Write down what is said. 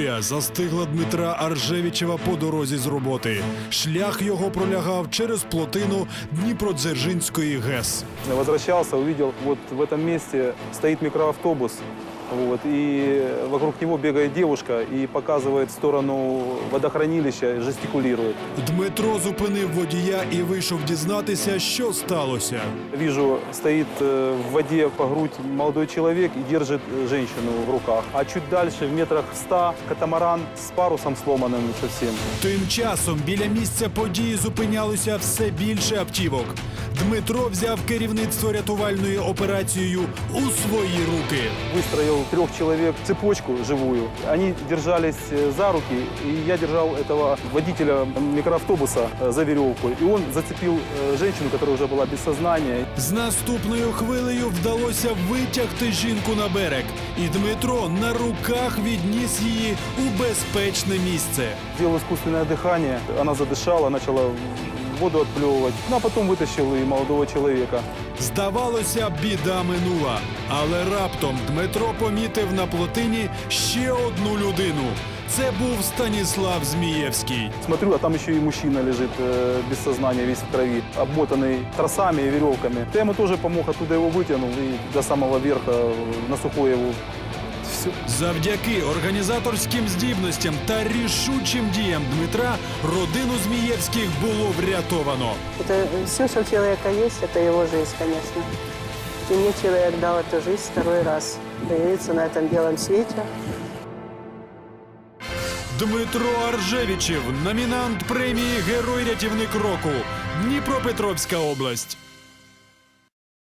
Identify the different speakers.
Speaker 1: Буря застигла Дмитра Аржевічева по дорозі з роботи. Шлях його пролягав через плотину Дніпродзержинської ГЕС.
Speaker 2: Я возвращался, увидел, вот в этом месте стоит микроавтобус, вот, и вокруг него бегает девушка и показывает в сторону водохранилища, жестикулирует.
Speaker 1: Дмитро зупинив водія і вийшов дізнатися, що сталося.
Speaker 2: Вижу, стоит в воде по грудь молодой человек и держит женщину в руках. А чуть дальше, в метрах 100, катамаран с парусом сломанным совсем.
Speaker 1: Тим часом біля місця події зупинялося все більше автівок. Дмитро взяв керівництво рятувальною операцією у свої руки.
Speaker 2: Выстроил 3 человек цепочку живую. Они держались за руки, и я держал этого водителя микроавтобуса за веревку. И он зацепил женщину, которая уже была без сознания.
Speaker 1: З наступною хвилею вдалося витягти жінку на берег. І Дмитро на руках відніс її у безпечне місце.
Speaker 2: Сделал искусственное дыхание. Она задышала, начала воду отплевывать. Ну, а потом вытащил и молодого человека.
Speaker 1: Здавалося, біда минула. Але раптом Дмитро помітив на плотині ще одну людину. Це був Станіслав Змієвський.
Speaker 2: Смотрю, а там еще и мужчина лежит без сознания, весь в крови, обмотанный тросами и веревками. Я ему тоже помог, оттуда его вытянул и до самого верха на сухое его. Все.
Speaker 1: Завдяки організаторським здібностям та рішучим діям Дмитра родину Змієвських було врятовано.
Speaker 3: Это все, что у человека есть, это его жизнь, конечно. И мне человек дал эту жизнь второй раз. Появиться на этом белом свете.
Speaker 1: Дмитро Аржевічев, номінант премії «Герой-рятівник року», Дніпропетровська область.